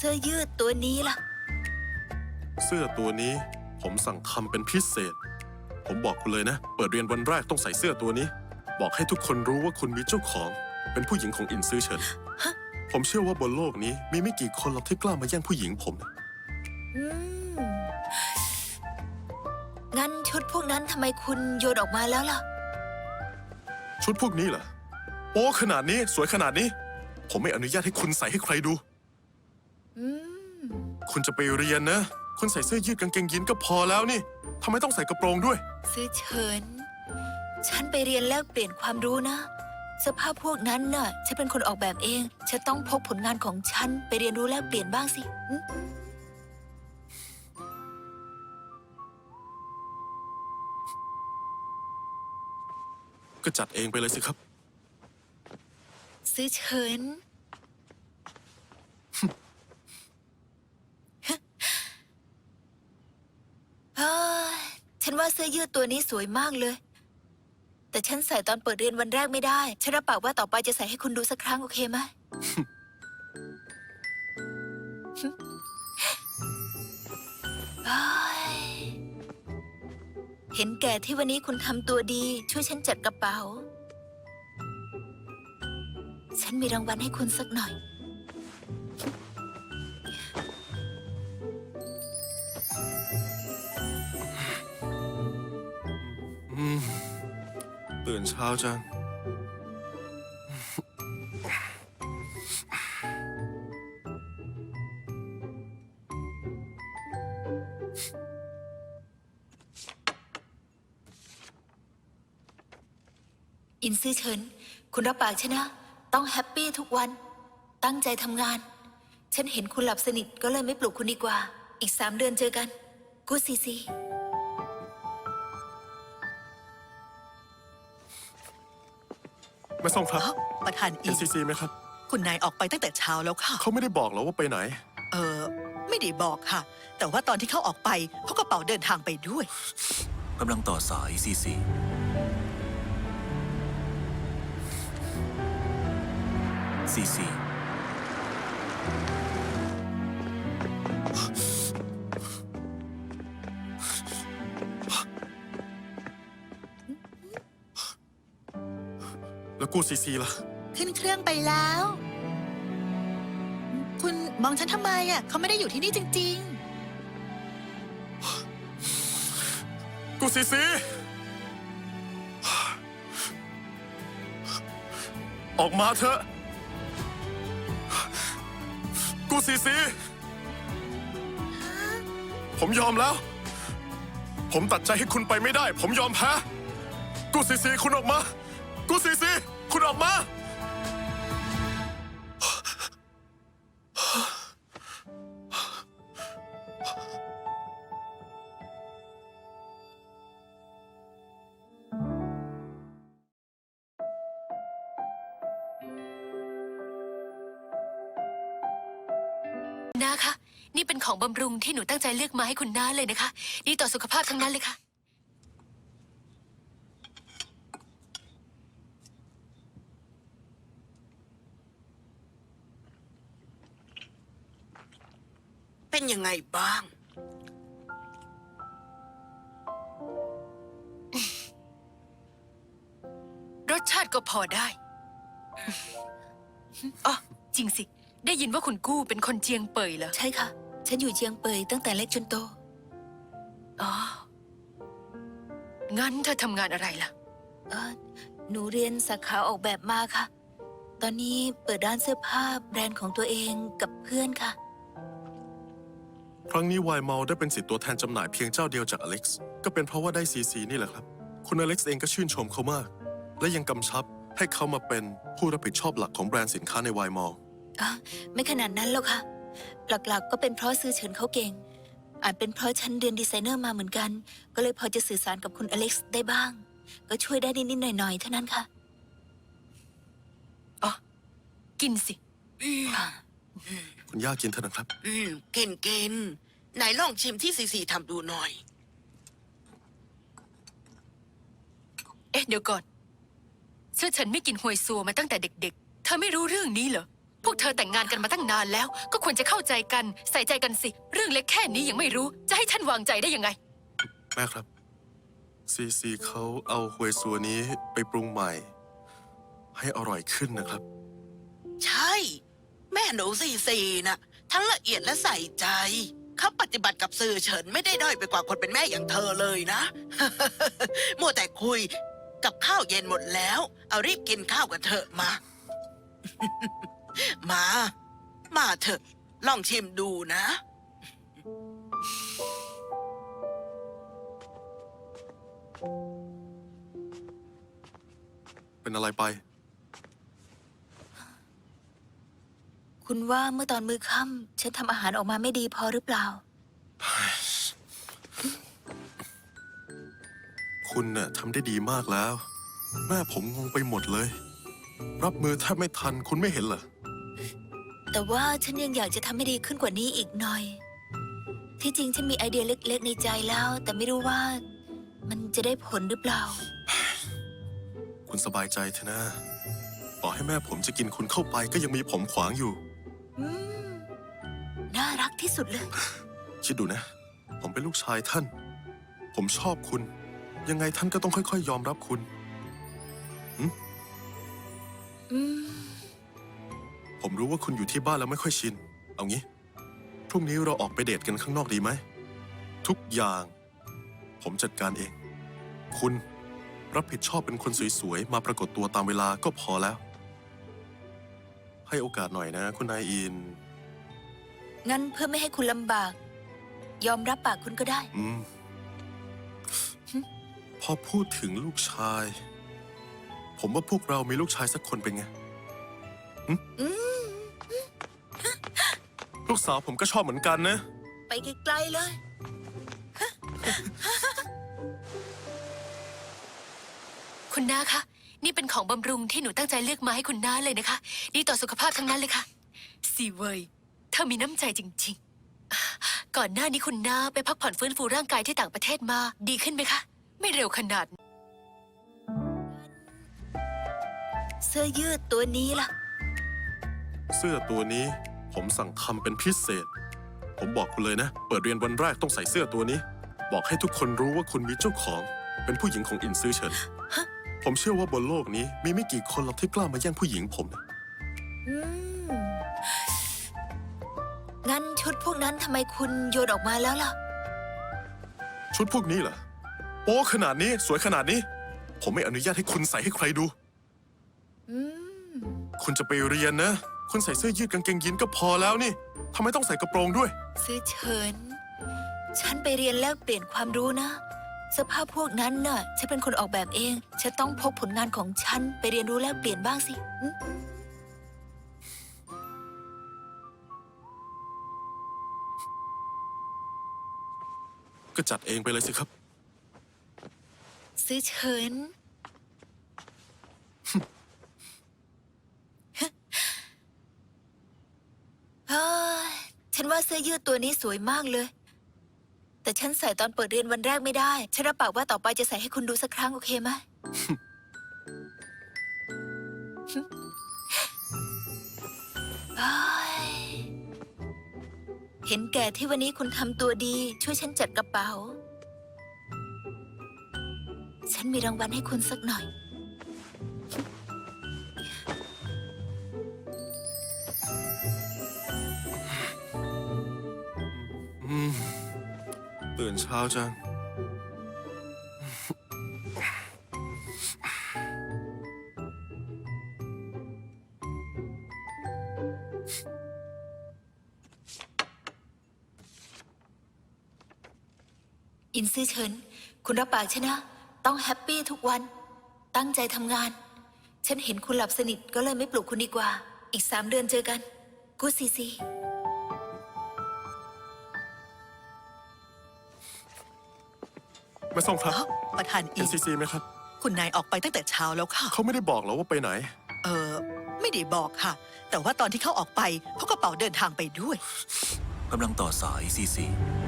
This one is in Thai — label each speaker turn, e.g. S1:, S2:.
S1: สื้อยืดตัวนี้ล่ะ
S2: เสื้อตัวนี้ผมสั่งทำเป็นพิเศษผมบอกคุณเลยนะเปิดเรียนวันแรกต้องใส่เสื้อตัวนี้บอกให้ทุกคนรู้ว่าคุณมีเจ้าของเป็นผู้หญิงของอินซื่อเฉินผมเชื่อว่าบนโลกนี้มีไม่กี่คนหรอกที่กล้ามาแย่งผู้หญิงผม
S1: งั้นชุดพวกนั้นทำไมคุณโยนออกมาแล้วล่ะ
S2: ชุดพวกนี้เหรอโป๊ขนาดนี้สวยขนาดนี้ผมไม่อนุญาตให้คุณใส่ให้ใครดูคุณจะไปเรียนนะคุณใส่เสื้อยืดกางเกงยีนก็พอแล้วนี่ทำไมต้องใส่กระโปรงด้วย
S1: ซื่อเฉินฉันไปเรียนแลกเปลี่ยนความรู้นะเสื้อผ้าพวกนั้นน่ะฉันเป็นคนออกแบบเองฉันต้องพกผลงานของฉันไปเรียนรู้แลกเปลี่ยนบ้างสิ
S2: ก็จัดเองไปเลยสิครับ
S1: ซื่อเฉินฉันว่าเสื้อยืดตัวนี้สวยมากเลยแต่ฉันใส่ตอนเปิดเรียนวันแรกไม่ได้ฉันรับปากว่าต่อไปจะใส่ให้คุณดูสักครั้งโอเคไหม เห็นแก่ที่วันนี้คุณทำตัวดีช่วยฉันจัดกระเป๋าฉันมีรางวัลให้คุณสักหน่อย
S2: ตื่นเช้าจัง
S1: อินซื่อเฉินคุณรับปากฉันนะต้องแฮปปี้ทุกวันตั้งใจทำงานฉันเห็นคุณหลับสนิทก็เลยไม่ปลุกคุณดีกว่าอีก3 เดือนเจอกันกูซีซี
S2: ไม่ส่งครับ
S3: ประธานอิน
S2: NCC ไหมครับ
S3: คุณนายออกไปตั้งแต่เช้าแล้วค่ะ
S2: เขาไม่ได้บอกหรอว่าไปไหน
S3: ไม่ได้บอกค่ะแต่ว่าตอนที่เขาออกไปเขากระเป๋าเดินทางไปด้วย
S4: กำลังต่อสาย CC CC
S2: แล้วกูซีซีล่ะ
S3: ขึ้นเครื่องไปแล้วคุณมองฉันทำไมอ่ะเขาไม่ได้อยู่ที่นี่จริง
S2: ๆกูซีซีออกมาเถอะกูซีซีผมยอมแล้วผมตัดใจให้คุณไปไม่ได้ผมยอมแพ้กูซีซีคุณออกมากูซีซีคุณออกมา
S1: น้าคะนี่เป็นของบำรุงที่หนูตั้งใจเลือกมาให้คุณน้าเลยนะคะดีต่อสุขภาพทั้งนั้นเลยค่ะ
S5: เป็นยังไงบ้าง
S1: รสชาติก็พอได้อ๋อจริงสิได้ยินว่าคุณกู้เป็นคนเจียงเป่ยเหรอใช่ค่ะฉันอยู่เจียงเป่ยตั้งแต่เล็กจนโตอ๋องั้นเธอทำงานอะไรล่ะหนูเรียนสาขาออกแบบมาค่ะตอนนี้เปิดร้านเสื้อผ้าแบรนด์ของตัวเองกับเพื่อนค่ะ
S2: ครั้งนี้ไวน์มอลได้เป็นสิทธิ์ตัวแทนจำหน่ายเพียงเจ้าเดียวจากอเล็กซ์ก็เป็นเพราะว่าได้CCนี่แหละครับคุณอเล็กซ์เองก็ชื่นชมเขามากและยังกำชับให้เขามาเป็นผู้รับผิดชอบหลักของแบรนด์สินค้าในไวน์มอล
S1: ไม่ขนาดนั้นหรอกค่ะหลักๆก็เป็นเพราะซื่อเฉินเขาเก่งอาจเป็นเพราะฉันเรียนดีไซเนอร์มาเหมือนกันก็เลยพอจะสื่อสารกับคุณอเล็กซ์ได้บ้างก็ช่วยได้นิดๆหน่อยๆเท่านั้นค่ะอ๋อกินสิ
S2: คุณย่ากินเถอะนะครับ
S5: เก่งไหนลองชิมที่ซีซีทำดูหน่อย
S1: เดี๋ยวก่อนเสื้อฉันไม่กินหวยซัวมาตั้งแต่เด็กๆเธอไม่รู้เรื่องนี้เหรอพวกเธอแต่งงานกันมาตั้งนานแล้ว ก็ควรจะเข้าใจกันใส่ใจกันสิ เรื่องเล็กแค่นี้ยังไม่รู้ จะให้ฉันวางใจได้ยังไง
S2: แม่ครับซีซีเขาเอาฮวยซัวนี้ไปปรุงใหม่ ให้อร่อยขึ้นนะครับ
S5: ใช่ แม่หนูซีน่ะ ทั้งละเอียดและใส่ใจ เขาปฏิบัติกับสื่อเฉินไม่ได้ด้อยไปกว่าคนเป็นแม่อย่างเธอเลยนะ มัวแต่คุยกับข้าวเย็นหมดแล้ว เอารีบกินข้าวกันเถอะมา มาเถอะ ลองชิมดูนะ
S2: เป็นอะไรไป
S6: คุณว่าเมื่อตอนมื้อค่ำฉันทำอาหารออกมาไม่ดีพอหรือเปล่า
S2: คุณน่ะทำได้ดีมากแล้ว แม่ผมงงไปหมดเลย รับมือแทบไม่ทันคุณไม่เห็นเหรอ
S6: แต่ว่าฉันยังอยากจะทำให้ดีขึ้นกว่านี้อีกหน่อย ที่จริงฉันมีไอเดียเล็กๆในใจแล้ว แต่ไม่รู้ว่ามันจะได้ผลหรือเปล่า
S2: คุณสบายใจเถอะนะต่อให้แม่ผมจะกินคุณเข้าไปก็ยังมีผมขวางอยู่
S6: อืม น่ารักที่สุดเลย
S2: คิดดูนะ ผมเป็นลูกชายท่าน ผมชอบคุณ ยังไงท่านก็ต้องค่อยๆยอมรับคุณ
S6: อืม
S2: ผมรู้ว่าคุณอยู่ที่บ้านแล้วไม่ค่อยชิน เอางี้ พรุ่งนี้เราออกไปเดทกันข้างนอกดีไหม ทุกอย่าง ผมจัดการเอง คุณรับผิดชอบเป็นคนสวยๆ มาปรากฏตัวตามเวลาก็พอแล้ว ให้โอกาสหน่อยนะ คุณนายอิน
S6: งั้นเพื่อไม่ให้คุณลำบาก ยอมรับปากคุณก็ได้
S2: พอพูดถึงลูกชาย ผมว่าพวกเรามีลูกชายสักคนเป็นไง ลูกสาวผมก็ชอบเหมือนกันนะ
S6: ไปไกลๆเลย
S1: คุณน้าคะ นี่เป็นของบำรุงที่หนูตั้งใจเลือกมาให้คุณน้าเลยนะคะ ดีต่อสุขภาพทั้งนั้นเลยค่ะซีเวยเธอมีน้ำใจจริงๆ ก่อนหน้านี้คุณน้าไปพักผ่อนฟื้นฟูร่างกายที่ต่างประเทศมา ดีขึ้นไหมคะ ไม่เร็วขนาด
S6: เสื้อยืดตัวนี้ล่ะ
S2: เสื้อตัวนี้ผมสั่งทำเป็นพิเศษ ผมบอกคุณเลยนะ เปิดเรียนวันแรกต้องใส่เสื้อตัวนี้ บอกให้ทุกคนรู้ว่าคุณมีเจ้าของ เป็นผู้หญิงของอินซือเฉิน ผมเชื่อว่าบนโลกนี้มีไม่กี่คนหรอกที่กล้ามาแย่งผู้หญิงผมนะ
S6: อืม งั้นชุดพวกนั้นทำไมคุณโยนออกมาแล้วล่ะ
S2: ชุดพวกนี้เหรอโป๊ขนาดนี้สวยขนาดนี้ ผมไม่อนุญาตให้คุณใส่ให้ใครดู
S6: อืม
S2: คุณจะไปเรียนนะ คุณใส่เสื้อยืดกางเกงยีนก็พอแล้วนี่ทำไมต้องใส่กระโปรงด้วย
S6: ซื้อเฉิน ฉันไปเรียนแลกเปลี่ยนความรู้นะ เสื้อผ้าพวกนั้นน่ะ ฉันเป็นคนออกแบบเอง ฉันต้องพกผลงานของฉันไปเรียนรู้แลกเปลี่ยนบ้างสิอืม
S2: ก็จัดเองไปเลยสิครับ
S6: ซื้อเฉิน เฮ้ย ฉันว่าเสื้อยืดตัวนี้สวยมากเลย แต่ฉันใส่ตอนเปิดเรียนวันแรกไม่ได้ ฉันรับปากว่าต่อไปจะใส่ให้คุณดูสักครั้งโอเคไหม เฮ้ย เห็นแก่ที่วันนี้คุณทำตัวดี ช่วยฉันจัดกระเป๋า ฉันมีรางวัลให้คุณสักหน่อย
S2: ตื่นเช้าจัง
S6: อินซื่อเฉิน คุณรับปากฉันนะ ต้องแฮปปี้ทุกวัน ตั้งใจทำงาน ฉันเห็นคุณหลับสนิทก็เลยไม่ปลุกคุณดีกว่า อีก3 เดือนเจอกัน กูซีซี
S2: ไม่ส่งครับ
S3: เอ้าประธานอิน
S2: NCC ไหมครับ
S3: คุณนายออกไปตั้งแต่เช้าแล้วค่ะ
S2: เขาไม่ได้บอกเหรอว่าไปไหน
S3: ไม่ได้บอกค่ะ แต่ว่าตอนที่เขาออกไปเขากระเป๋าเดินทางไปด้วย
S4: กำลังต่อสายซีซี